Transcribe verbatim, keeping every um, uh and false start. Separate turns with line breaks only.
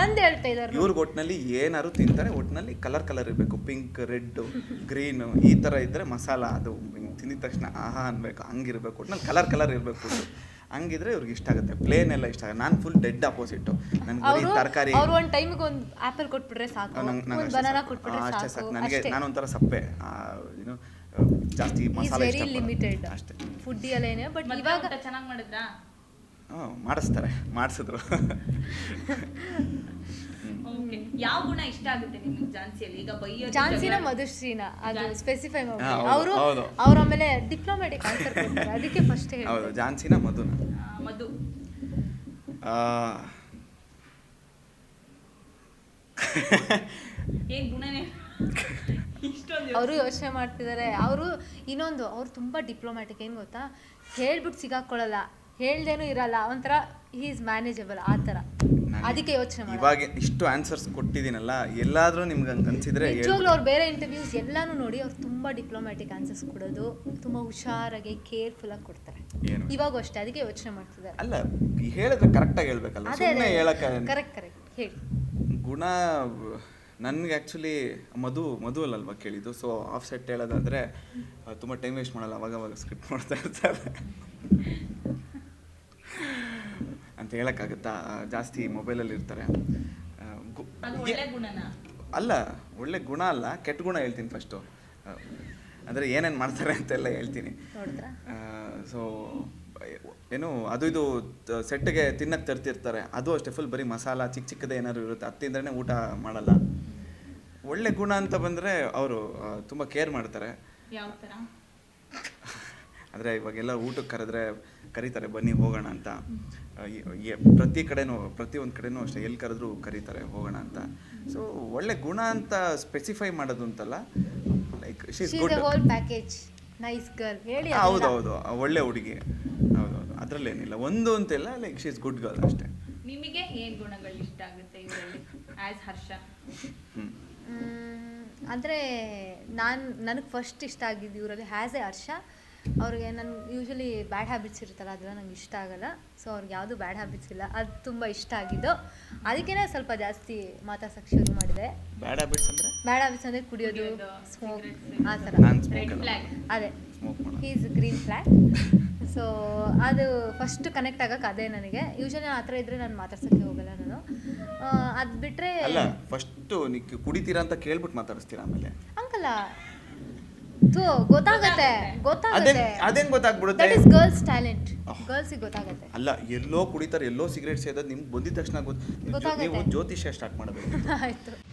ನಂದು ಹೇಳ್ತಾ ಇದ್ದಾರೆ.
ಇವ್ರಿಗೆ ಒಟ್ಟಿನಲ್ಲಿ ಏನಾದ್ರು ತಿಂತಾರೆ, ಒಟ್ಟಿನಲ್ಲಿ ಕಲರ್ ಕಲರ್ ಇರಬೇಕು, ಪಿಂಕ್, ರೆಡ್, ಗ್ರೀನ್ ಈ ಥರ ಇದ್ದರೆ ಮಸಾಲ ಅದು ತಿಂದಿದ ತಕ್ಷಣ ಆಹಾ ಅನ್ಬೇಕು, ಹಂಗಿರ್ಬೇಕು, ಒಟ್ಟಿನಲ್ಲಿ ಕಲರ್ ಕಲರ್ ಇರಬೇಕು. ಹಂಗಿದ್ರೆ ಇವ್ರಿಗೆ ಇಷ್ಟ ಆಗುತ್ತೆ. ಪ್ಲೇನ್ ಎಲ್ಲ ಇಷ್ಟ ಆಗುತ್ತೆ. ನಾನು ಫುಲ್ ಡೆಡ್ ಅಪೋಸಿಟ್. ನನ್ಗೆ ಬರೀ ತರಕಾರಿ.
ಅವ್ರು ಒಂದು ಟೈಮಿಗೆ ಒಂದು ಆಪಲ್ ಕೊಟ್ಬಿಟ್ರೆ ಸಾಕು, ಒಂದು ಬನಾನಾ ಕೊಟ್ಬಿಟ್ರೆ
ಅಷ್ಟೇ
ಸಾಕು.
ಸಾಕು ನನಗೆ. ನಾನೊಂಥರ ಸಪ್ಪೆ, ಏನು ಜಾಸ್ತಿ ಮಸಾಲೆ ಇಷ್ಟ
ಲಿಮಿಟೆಡ್
ಅಷ್ಟೇ
ಫುಡ್ ಎಲ್ಲ ಏನೇ. ಬಟ್ ಇವಾಗ
ಚೆನ್ನಾಗಿ ಮಾಡಿದ್ರಾ?
ಹಾಂ ಮಾಡಿಸ್ತಾರೆ, ಮಾಡಿಸಿದ್ರು.
ಓಕೆ. ಯಾವ ಗುಣ ಇಷ್ಟ ಆಗುತ್ತೆ ನಿಮಗೆ ಝಾನ್ಸಿಯಲ್ಲಿ? ಈಗ ಬೈಯೋ
ಝಾನ್ಸಿನ ಮಧುಶ್ರೀನ ಅದು ಸ್ಪೆಸಿಫೈ ಮಾಡಿ
ಹಾ, ಹೌದು,
ಅವರು
ಹೌದು.
ಅವ್ರ ಆಮೇಲೆ ಡಿಪ್ಲೊಮ್ಯಾಟಿಕ್ ಆನ್ಸರ್ ಕೊಡ್ತಾರೆ. ಅದಕ್ಕೆ ಫಸ್ಟ್ ಹೇಳಿ.
ಹೌದು, ಝಾನ್ಸಿನ ಮಧುನ.
ಮಧು ಏನ್ ಗುಣನೇ ಇಷ್ಟೊಂದು
ಅವರು ಯೋಚನೆ ಮಾಡ್ತಿದ್ದಾರೆ. ಅವರು ಇನ್ನೊಂದು, ಅವ್ರು ತುಂಬ ಡಿಪ್ಲೊಮ್ಯಾಟಿಕ್. ಏನು ಗೊತ್ತಾ, ಹೇಳ್ಬಿಟ್ಟು ಸಿಗಾಕೊಳ್ಳಲ್ಲ, ಹೇಳ್ದೇನೂ ಇರಲ್ಲ, ಒಂಥರ ಹಿ ಈಸ್ ಮ್ಯಾನೇಜಬಲ್ ಆ ಥರ. ಅದಕ್ಕೆ ಯೋಚನೆ ಮಾಡಿ.
ಇವಾಗ ಇಷ್ಟು ಆನ್ಸರ್ಸ್ ಕೊಟ್ಟಿದ್ದೀನಲ್ಲ, ಎಲ್ಲಾದರೂ ನಿಮ್ಗೆ ಹಂಗೆ ಅನ್ಸಿದ್ರೆ
ನಿಜವಾಗ್ಲೂ ಅವ್ರು ಬೇರೆ ಇಂಟರ್ವ್ಯೂಸ್ ಎಲ್ಲಾನು ನೋಡಿ ಅವ್ರು ತುಂಬ ಡಿಪ್ಲೊಮ್ಯಾಟಿಕ್ ಆನ್ಸರ್ಸ್ ಕೊಡೋದು, ತುಂಬ ಹುಷಾರಾಗಿ ಕೇರ್ಫುಲ್ಲಾಗಿ ಕೊಡ್ತಾರೆ. ಇವಾಗ ಅಷ್ಟೇ, ಅದಕ್ಕೆ ಯೋಚನೆ ಮಾಡ್ತಿದ್ದಾರೆ.
ಅಲ್ಲ, ಹೇಳಿದ್ರೆ ಕರೆಕ್ಟಾಗಿ ಹೇಳ್ಬೇಕಲ್ಲ, ಸುಮ್ಮನೆ ಹೇಳಕ್ಕೆ.
ಕರೆಕ್ಟ್ ಕರೆಕ್ಟ್ ಹೇಳಿ.
ಗುಣ ನನಗೆ ಆ್ಯಕ್ಚುಲಿ ಮಧು ಮಧು ಅಲ್ಲಲ್ವ ಕೇಳಿದ್ದು. ಸೊ ಆಫ್ ಸೆಟ್ ಹೇಳೋದಾದರೆ ತುಂಬ ಟೈಮ್ ವೇಸ್ಟ್ ಮಾಡಲ್ಲ, ಅವಾಗವಾಗ ಸ್ಕ್ರಿಪ್ಟ್ ಮಾಡ್ತಾ ಇರ್ತಾರೆ ಅಂತ ಹೇಳೋಕ್ಕಾಗುತ್ತಾ. ಜಾಸ್ತಿ ಮೊಬೈಲಲ್ಲಿ ಇರ್ತಾರೆ. ಅಲ್ಲ, ಒಳ್ಳೆ ಗುಣ ಅಲ್ಲ, ಕೆಟ್ಟ ಗುಣ ಹೇಳ್ತೀನಿ ಫಸ್ಟು. ಅಂದರೆ ಏನೇನು ಮಾಡ್ತಾರೆ ಅಂತೆಲ್ಲ ಹೇಳ್ತೀನಿ. ಸೊ ಏನು ಅದು ಇದು ಸೆಟ್ಗೆ ತಿನ್ನಕ್ಕೆ ತರ್ತಿರ್ತಾರೆ, ಅದು ಅಷ್ಟೇ ಫುಲ್ ಬರೀ ಮಸಾಲ ಚಿಕ್ಕ ಚಿಕ್ಕದೇ ಏನಾದ್ರು ಇರುತ್ತೆ, ಅದು ತಿಂದ್ರೇ ಊಟ ಮಾಡಲ್ಲ. ಒಳ್ಳೆ ಗುಣ ಅಂತ ಬಂದರೆ ಅವರು ತುಂಬ ಕೇರ್ ಮಾಡ್ತಾರೆ.
ಯಾವ ಥರ
ಅಂದರೆ ಇವಾಗೆಲ್ಲ ಊಟಕ್ಕೆ ಕರೆದ್ರೆ ಕರೀತಾರೆ, ಬನ್ನಿ ಹೋಗೋಣ ಅಂತ. ಪ್ರತಿ ಕಡೆನೂ ಪ್ರತಿಯೊಂದು ಕಡೆನೂ ಅಷ್ಟೇ, ಎಲ್ಲಿ ಕರೆದ್ರೂ ಕರೀತಾರೆ ಹೋಗೋಣ ಅಂತ. ಸೊ ಒಳ್ಳೆ ಗುಣ ಅಂತ ಸ್ಪೆಸಿಫೈ ಮಾಡೋದು ಅಂತಲ್ಲ, like she is good
package, nice girl ಹೇಳಿ.
ಹೌದೌದು, ಒಳ್ಳೆ ಹುಡುಗಿ. ಹೌದೌದು, ಅದರಲ್ಲೇನಿಲ್ಲ, ಒಂದು ಅಂತೆಲ್ಲ, like she is good girl ಅಷ್ಟೇ.
ನಿಮಗೆ ಏನು ಗುಣಗಳು ಇಷ್ಟ ಆಗುತ್ತೆ ಇವರಲ್ಲಿ ಆ್ಯಸ್ ಹರ್ಷ?
ಹ್ಞೂ
ಅಂದರೆ ನಾನು ನನಗೆ ಫಸ್ಟ್ ಇಷ್ಟ ಆಗಿದ್ದು ಇವರಲ್ಲಿ ಹ್ಯಾಸ್ ಎ ಹರ್ಷ. ಅವ್ರಿಗೆ ನನ್ನ ಯೂಶ್ವಲಿ ಬ್ಯಾಡ್ ಹ್ಯಾಬಿಟ್ಸ್ ಇರುತ್ತಲ್ಲ, ಅದೆಲ್ಲ ನಂಗೆ ಇಷ್ಟ ಆಗಲ್ಲ. ಸೊ ಅವ್ರಿಗೆ ಯಾವುದು ಬ್ಯಾಡ್ ಹ್ಯಾಬಿಟ್ಸ್ ಇಲ್ಲ, ಅದು ತುಂಬ ಇಷ್ಟ ಆಗಿದ್ದು. ಅದಕ್ಕೇ ಸ್ವಲ್ಪ ಜಾಸ್ತಿ ಮಾತಾಡ್ಸಕ್ಕೆ ಶುರು ಮಾಡಿದೆ.
ಬ್ಯಾಡ್ ಹ್ಯಾಬಿಟ್ಸ್ ಅಂದರೆ
ಬ್ಯಾಡ್ ಹ್ಯಾಬಿಟ್ಸ್ ಅಂದರೆ ಕುಡಿಯೋದು, ಸ್ಮೋಕ್, ಆ ಥರ. ಅದೇ ಈಸ್ ಗ್ರೀನ್ ಫ್ಲ್ಯಾಗ್. ಸೊ ಅದು ಫಸ್ಟ್ ಕನೆಕ್ಟ್ ಆಗಕ್ಕೆ ಅದೇ ನನಗೆ. ಯೂಶ್ವಲಿ ಆ ಥರ ಇದ್ದರೆ ನಾನು ಮಾತಾಡ್ಸೋಕ್ಕೆ ಹೋಗಲ್ಲ ನಾನು. ಅದು ಬಿಟ್ಟರೆ
ಅಲ್ಲ, ಫಸ್ಟು ನೀವು ಕುಡಿತೀರಾ ಅಂತ ಕೇಳ್ಬಿಟ್ಟು ಮಾತಾಡಿಸ್ತೀರಾ, ಆಮೇಲೆ
ಹಂಗಲ್ಲ, ಥೂ ಗೊತ್ತಾಗತ್ತೆ ಗೊತ್ತಾಗತ್ತೆ
ಅದೇನು ಗೊತ್ತಾಗ್ಬಿಡುತ್ತೆ.
ದಟ್ ಇಸ್ ಗರ್ಲ್ಸ್ ಟ್ಯಾಲೆಂಟ್, ಗರ್ಲ್ಸಿಗೆ ಗೊತ್ತಾಗತ್ತೆ.
ಅಲ್ಲ, ಎಲ್ಲೋ ಕುಡಿತಾರೆ, ಎಲ್ಲೋ ಸಿಗರೇಟ್ ಸೇದೋದು ನಿಮ್ಗೆ ಬಂದಿದ ತಕ್ಷಣ ಗೊತ್ತು. ನೀವು ಜ್ಯೋತಿಷ್ಯ ಸ್ಟಾರ್ಟ್ ಮಾಡಬೇಕು.
ಆಯಿತು.